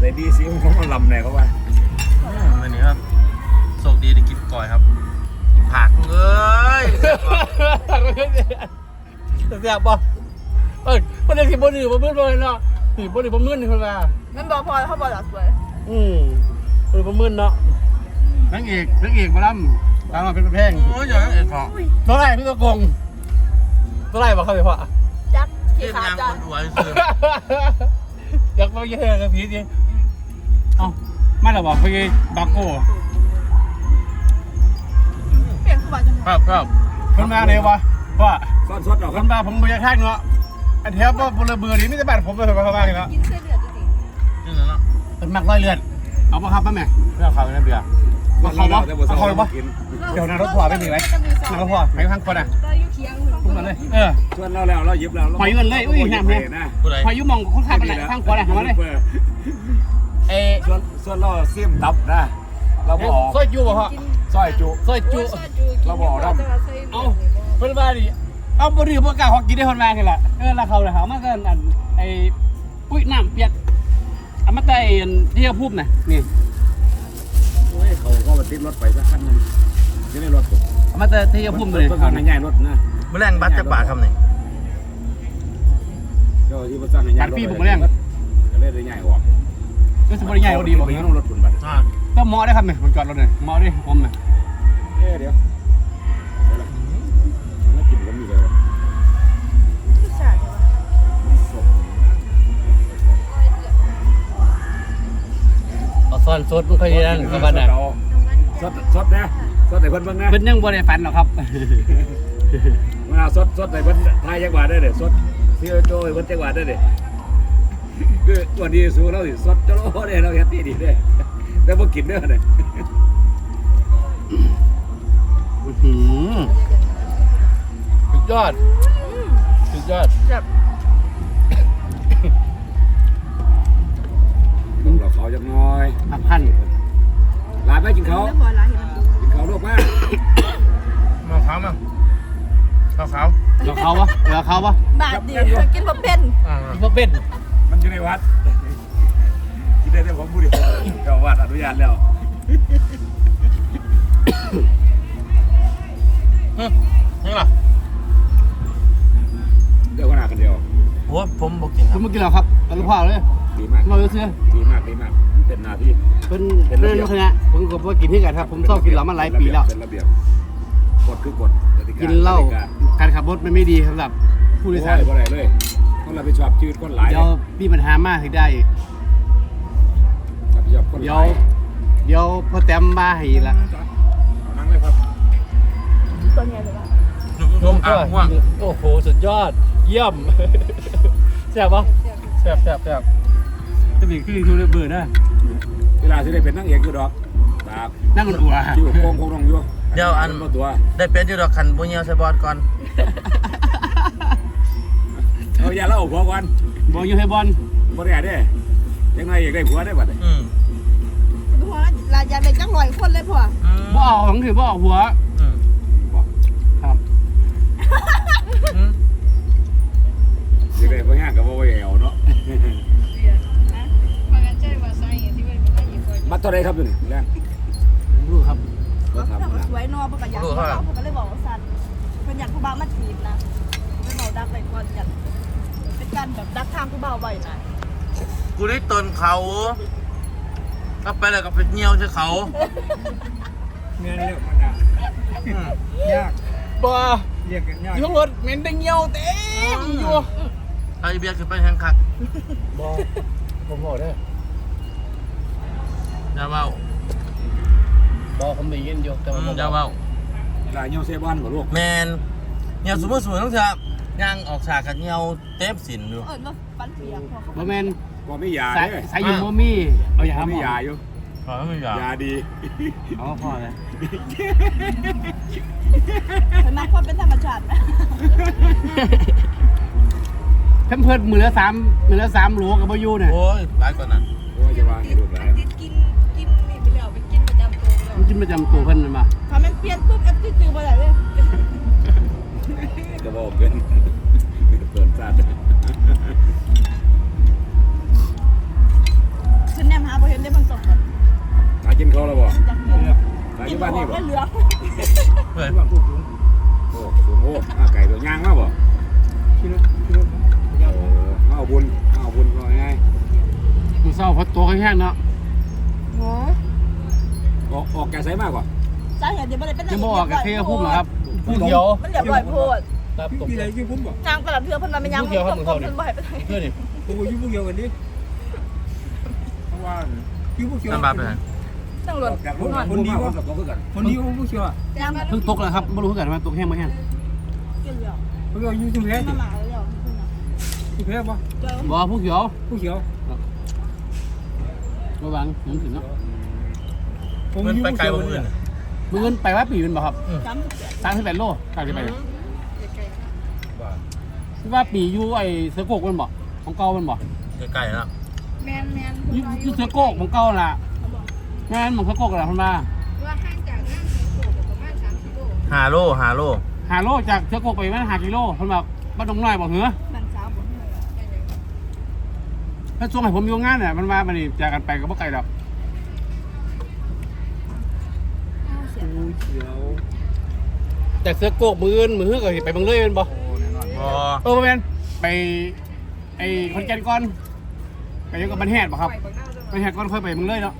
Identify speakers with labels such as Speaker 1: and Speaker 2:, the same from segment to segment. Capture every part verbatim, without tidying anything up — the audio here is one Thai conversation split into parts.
Speaker 1: แต่ดีสิเขามาลำไหนเขาว่า
Speaker 2: วันนี้ครับโชคดีได้กินก่อยครับกินผักเอ้ย
Speaker 3: แซ่บบ่เอ้ยบ่ได้สิบ่ดื้อบ่มึนบ่เนาะสิบ่ดื้อบ่มึนนี่เพิ่นว่า
Speaker 4: มันบ่พอเขาบ่หลักสวย
Speaker 3: อืมเพิ่นบ่มึนเนาะนางเอกนางเอกบ่ลำตามมาเป็นแพง
Speaker 2: โอ้ยอย่างนั้นเอ็ดพอ
Speaker 3: เท่าไหร่พี่ตะกงเท่าไหร่บ่ครับพี่พ่อ
Speaker 4: จัก
Speaker 2: เที
Speaker 4: ขี้
Speaker 2: ยบ
Speaker 4: ขา
Speaker 2: ยัง
Speaker 4: จ้ะ
Speaker 2: คนอวยซื้อ
Speaker 3: อยากไปเยอะกับพี่ดิเอ้ามาแล้วบ่ไปบักโก้
Speaker 4: เปลี่ยนคือว่าจัง
Speaker 2: ครับครับ
Speaker 3: เพิ่นมาเลยวะว่า
Speaker 1: ก้อนสดหรอค
Speaker 3: เพิ่
Speaker 1: รับ
Speaker 3: นมาผมบ่อยากแทงเนาะอันแถวบ่บ่ระเบือนี่มีแต่บ้านผมไปเข้าบ้านเนาะ
Speaker 4: กินเส้นเลือดจริง
Speaker 2: จริงเหรอเนาะ
Speaker 3: เพิ่นมักร้อยเลือดเอาบ่ครับป้าแม่เรื่องเขาเนี่ยเบียร์บ่เขาบ่เอาเขาบ่เดี๋ยวนะรถพ่อไม่มีไว้นะรถพ่อไปข้างคนอ่ะ
Speaker 4: ก็อยู่เคียง
Speaker 3: พุ่งมาเลยเออ
Speaker 1: ชวนเราแล้วเรายิบแล้ว
Speaker 3: หอยเงินเลยอุ้ยน้ำเลย
Speaker 2: ผู้ใด
Speaker 3: หอยอยู่มองคนขับไปไหนข้างขวาน่ะมาเลยเอ
Speaker 1: ส่วนส่วนเราเสียมตับนะเราบออก
Speaker 3: ซอยจูบ่พ่อ
Speaker 1: ซอยจุ
Speaker 3: ซอยจู
Speaker 1: เราบอกเรา
Speaker 3: เอาเพิ่นว่าดิเอาบ่ดื้อบ่กล้าฮอกกินได้เพิ่นว่าคือล่ะเออแล้วเขาน่ะเขามากันอันไอ้ปุ้ยน้ำเปียกเอามาแต่อันที่เขาพูดน่ะนี่
Speaker 1: โอ้ยเขาก็มาติดรถไปสักคันนึงจะได้รถ
Speaker 3: เอามาแต่ที่เขาพูดเลย
Speaker 1: ต้นในใหญ่รถนะ
Speaker 2: แมลงบัตจักบาทครับนี่
Speaker 1: เจ้าที่มาสั่งในใหญ่รถก็เลยได้ใหญ่ออก
Speaker 3: ก็สบายใหญ่เราดีบ่
Speaker 1: ไปยังรถคุณบัตร
Speaker 2: อ่า
Speaker 3: ก็เหมาะได้ครับเนี่ยมันจอดรถเนี่ยเหมาะดิผมเนี่ย
Speaker 1: เอ๊ะเดี๋ยวแล้วกินก็มีเลย
Speaker 4: ผู้ชายใช่ปะ
Speaker 3: เอาซ่อนสดมันค่อยนั่นก็บ้านน่ะ
Speaker 1: สดสดนะสดแต่เพิ่นเบิ่งนะ
Speaker 3: เพิ่นยังบ่ได้ฝันหรอกครับ
Speaker 1: มาสดสดแต่เพิ่นทายจังหวัดได้เด้สดที่โจ้เพิ่นจังหวัดได้เด้คือตัวนี้สู้เราสิสดจะโลเด้เราเฮ็ดดีๆเด้แต่บ่กินเด้อเด้
Speaker 3: อื้อหือสุดยอดสุดยอด
Speaker 4: แบบ
Speaker 1: เราเขาจังน้อย
Speaker 3: พักพัน
Speaker 1: หลานไปกินเขา
Speaker 4: ไม่พอร้านเห็นมัน
Speaker 1: กินเขาลูกมา
Speaker 2: มาขาวมาขาวขาว
Speaker 3: เราเขาวะเราเขาวะ
Speaker 4: บาทเดียวกินบ่เป็น
Speaker 2: อ่า
Speaker 3: ที่พ่อเป็น
Speaker 1: มันอยู่ในวัดกินได้แต่ผมผู้เดียวเจ้าวัดอนุญาตแล้ว
Speaker 2: นี่ล่ะ
Speaker 1: เดี๋ยวขนาดกันเดียว
Speaker 2: โอ้ผมบอกกินค
Speaker 3: คุ
Speaker 2: รั
Speaker 3: ณ
Speaker 2: บ
Speaker 3: เมื่อกี้เราครับตะลุพ่อเลย
Speaker 1: ดีมาก
Speaker 3: เราเสื้อ
Speaker 1: ดีมากดีมากเป็นหน้าที่
Speaker 3: เป็นเป็นเรื่องคณะผมก็บ่กินที่กันครับผมชอบกินเหล้ามาหลายปีแล้ว
Speaker 1: เป็นระเบียบกฎคือกฎกติกา
Speaker 3: กินเหล้าการขับรถมันไม่ดีสำหรับผู้โดยสาร
Speaker 1: บ่ได้เลยคนรับผิดชอบชีวิตคนหลาย
Speaker 3: เดี๋ยวมีปัญหามากถึงได้
Speaker 1: รับผิดชอบคนห
Speaker 3: เดี๋ย
Speaker 1: ลา
Speaker 3: วย เดี๋ยวพอแต้มมาให้ละ
Speaker 1: เอานั่งเลยครับ
Speaker 4: ตัวใหญ่เลยว่ะ
Speaker 2: นมอ่างห่วง
Speaker 3: โอ้โหสุดยอดเยี่ยมแซ่บปะแซ่บแซ่บแซ่บจะมีขึ้นทูเบื่อนะ
Speaker 1: เวลาที่ได้เป็นนักเอกอยู่ดอกตา
Speaker 3: นั่งอุ่นอัว
Speaker 1: อยู่โค้งโค้งลงอยู่
Speaker 2: เดี๋ยวอัน
Speaker 1: มาตัว
Speaker 2: ได้เป็นอยู่ดอกคันบุญเหี่ยวใส่บอลก่อน
Speaker 1: เอาอย่าเล่าผัวก่อน
Speaker 3: บอกอยู่ให้บอล
Speaker 1: บ่ได้เด้ยังไงอยากได้ผัวได้บัดนี้
Speaker 2: อืม
Speaker 4: หัวลายยาเป็นจังลอยคนเลยพ่อ
Speaker 2: อืม
Speaker 3: บ่ออกของถือบ่ออกหัว
Speaker 2: อืม
Speaker 1: บอก
Speaker 3: ครับ
Speaker 2: อืม
Speaker 1: อยากได้บ่แห้งก็บ่ไหวเอาเนาะบัตรเท่าไรครับอยู่นี่แรง
Speaker 3: รู้ครับ
Speaker 1: ก็
Speaker 4: เขา
Speaker 1: ทำนะ
Speaker 4: สวยนอประกาศยักษ์เขาผมก็เลยบอกว่าสันเป็นอยากผู้บ่าวมาจีบนะไม่เมาดักไปก่อนอยากเป็นการแบบดักทางผู้บ่าวบ่อยนะ
Speaker 2: กูได้ตนเขาก็ไปแล้วก็ไปเหี่ยวใส่เขา
Speaker 1: เงินเรียกมันยาก
Speaker 2: อืม
Speaker 1: ยาก
Speaker 3: บ่
Speaker 1: เรียกกันยาก
Speaker 3: อยู่ข้างรถเหม็นแต่เงี้ยวเต็มอยู่
Speaker 2: ไอเบียร์ขึ้นไปแทงคัก
Speaker 3: บ่ผมบอกได้
Speaker 2: อย่าเว้า
Speaker 3: บ่ผมได้ยินอยู่แต่
Speaker 2: อื
Speaker 3: ว่าม
Speaker 2: อย่าเว้า
Speaker 1: หลายเงี้ยวเซบอนบ่ลูก
Speaker 2: แมนเหี่ยวสมมติสมมติต้องเถอะย่างออกฉากกับเหี่ยวเต็มสินอยู่
Speaker 4: เออมาฟันเปียกพอเขา
Speaker 3: บ่แม่น
Speaker 1: บ่มียา
Speaker 3: สาย
Speaker 1: เด้
Speaker 3: สายอยู่บ่มีเอาอย่า
Speaker 1: บ่
Speaker 3: หาหม
Speaker 1: มี
Speaker 3: อย
Speaker 1: าอยู่
Speaker 2: ขอไม่อยาก
Speaker 1: ยาดี
Speaker 3: เอาพอเลย
Speaker 4: เห็นไหมคนเป็นธรรมชาติไหม
Speaker 3: เพิ่มเพิ่มมือละสามมือละสามโหลกับบ่อยู่เนี่ย
Speaker 2: โอ้ยหลายกว่านั้น
Speaker 1: โอ้ยจะวางให้ลูกหลาน
Speaker 4: กินกินกินนี่ไปแล้วไปกินประจำตัวแล้ว
Speaker 3: มันกินประจำตัวเพิ่นมา
Speaker 4: ถ้ามันเปลี่ยนปุ๊บเอฟซีจือไปไหนเลย
Speaker 1: ก็บอกเกินเกินซาด
Speaker 4: คือแนม
Speaker 1: บ้านนี่บ่
Speaker 4: ไม่เหลือ
Speaker 2: เพื่อน
Speaker 1: โอ้สูงโอ้มาไก่ตัวยางมาบ่
Speaker 3: คิดว่าคิดว่า
Speaker 1: โอ้มาเอาบุญมาเอาบุญก็ง่าย
Speaker 3: ดูเศร้าเพราะตัวแห้งๆเนาะ
Speaker 4: โอ้
Speaker 1: ออกออกแกใส่มากกว่า
Speaker 4: สาเหตุเดี๋ยวไม่ได้เป็น
Speaker 3: จะบอกกับเที่ยวพุ่มเหรอครับผู้เขียว
Speaker 4: มันเรียบร้อยโพด
Speaker 3: ครับตก
Speaker 5: พี่อะไรชื่อผมบอก
Speaker 4: ยางกระดับเทือเพิ่นมาเป็นยาง
Speaker 3: ผู้เขียวครับมึงเข้าดิ
Speaker 4: เพิ่นบ่ให้ไปไหน
Speaker 3: เพื่อนดิ
Speaker 5: ผมอยู่พวกเดียวกันดิเพราะว่าพี่พวกเขียว
Speaker 2: น้ำบาปไปไหน
Speaker 4: ตั้งร
Speaker 1: อ
Speaker 4: ถ
Speaker 1: อกจากรถคนดีว่ากับตัวคือกัน
Speaker 5: คนนี้พวกเขียวอ่ะ
Speaker 4: ยาง
Speaker 3: เพิ่งตกแล้วครับไม่รู้กันว่าตกแห้งไม่แห้ง
Speaker 4: กินเหลือ
Speaker 5: พวกเราอยู่ที่เพชร
Speaker 4: มาหมาแล้วเพิ่นน่ะ
Speaker 5: ที่เพชรป่ะ
Speaker 4: เจอ
Speaker 3: บอกผู้เขียว
Speaker 5: พวกเขียว
Speaker 3: ระวังผมถึงเนาะ
Speaker 5: ผม
Speaker 2: เพื่อน
Speaker 5: อยู่
Speaker 2: ไป
Speaker 5: พวก
Speaker 2: ไกล
Speaker 5: เขียว
Speaker 2: กว่า
Speaker 5: เนี่
Speaker 2: เพื่อน
Speaker 5: ย
Speaker 3: มือเงินไปว่าปีเป็นบ่ครับ
Speaker 4: จำเสีย
Speaker 3: สามสิบแปดโลกลางไปที่ว่าปีอยู่ไอ้เสือโกกมันบ่ของเก่ามันบ่
Speaker 2: ใกล้ๆแล้ว
Speaker 4: แมนแมน
Speaker 3: ยี่ยี่เสือโกกของเก่าล่ะแม่นของเสือโกกล่ะคนมา
Speaker 4: ว่าห่างจากนั่งโผล่ประมาณสามกิโล
Speaker 2: ฮาโลฮาโล
Speaker 3: หาโลจากเสือโกกไปมันหากิโลคนแบบบ้านดงน้อยบอกเหรอ
Speaker 4: มันสาวบ่เหนื่อย
Speaker 3: ถ้าช่วงให้ผมอยู่งานเนี่ยมันมามันนี่จากกันไปก็บ่ไกลดอก
Speaker 4: เสีย
Speaker 5: พวกเขียว
Speaker 3: จากเสือโกกมืออื่นมือก็ไปเบางเลยเป็นบ่
Speaker 2: บอ
Speaker 3: เออแม่นไปไอ้คอนแกนก่อนไปยังกับบันแฮดบ่ครับบันแฮดก่อนค่อยไปเบางเลยเนาะ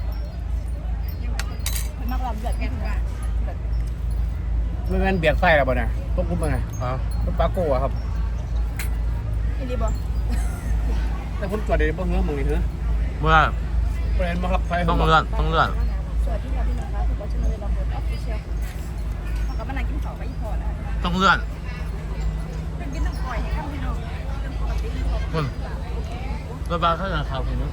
Speaker 4: เพิ่นมักลำเดือดแม่นว่า
Speaker 3: ไม่แม่นเบียดไส้แล้วบ่เนี่ยต้องคุมยังไง
Speaker 2: เอา
Speaker 3: รถปาโก้อะครับ
Speaker 4: อีหลีบ่
Speaker 3: แต่ผมจอดเดี๋ยวบ่เหือมึงนี่เหือ
Speaker 2: เมื่อ
Speaker 3: ประเด็นบ่ครับไฟ
Speaker 2: ต้องเลื่อนต้องเลื่อน
Speaker 4: สวัสดีค่ะพี่น้องคะทุกคนชื่อเลยลำบนออฟฟิเชียลเขาก็มานั่งกินข้าวไปอีพอนะ
Speaker 2: ต้องเลื่อน
Speaker 4: เป็นกินน้ำก่อยให้ครับพี่น้องเป็นปกติที่เขา
Speaker 2: คุณรถบัสเท่าไหร่ครับคุณนุ๊ก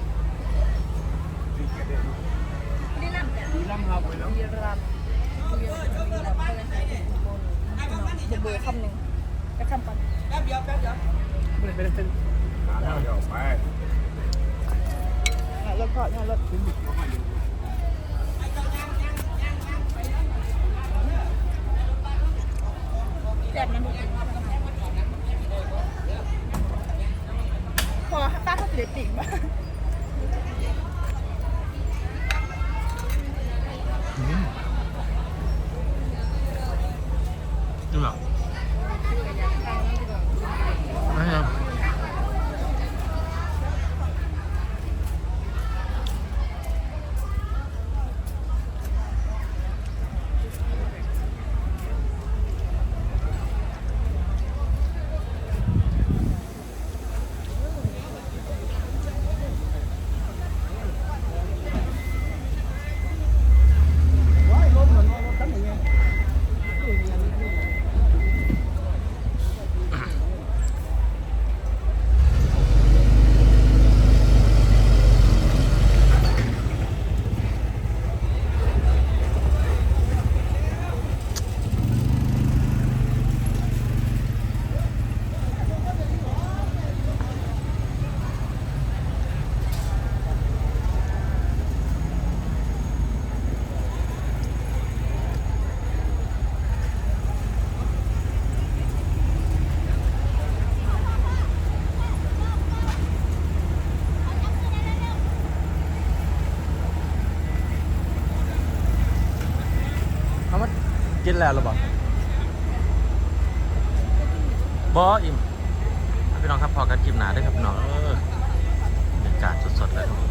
Speaker 4: ไม่ได้ลำแต่
Speaker 3: มีลำครับ
Speaker 4: มีรำมีรำมีรำมีรำอะไรเดี๋ยวเบอร์คำหนึ่งจะคำปัน
Speaker 3: ไม่ได้ไม่ได้เป็น
Speaker 1: หาแล้วเดี๋ยวไป
Speaker 4: รถก็งานรถแซ่บน้ำมันพอป้าเขาเสียติ่งมา
Speaker 2: จริงเหรอไม่ครับ เขามากินแล้วหรือเปล่าบออิ่มพี่น้องครับพอกันคลิปหนาได้ครับพี่น้องเออบรรยากาศสดๆเลยครับ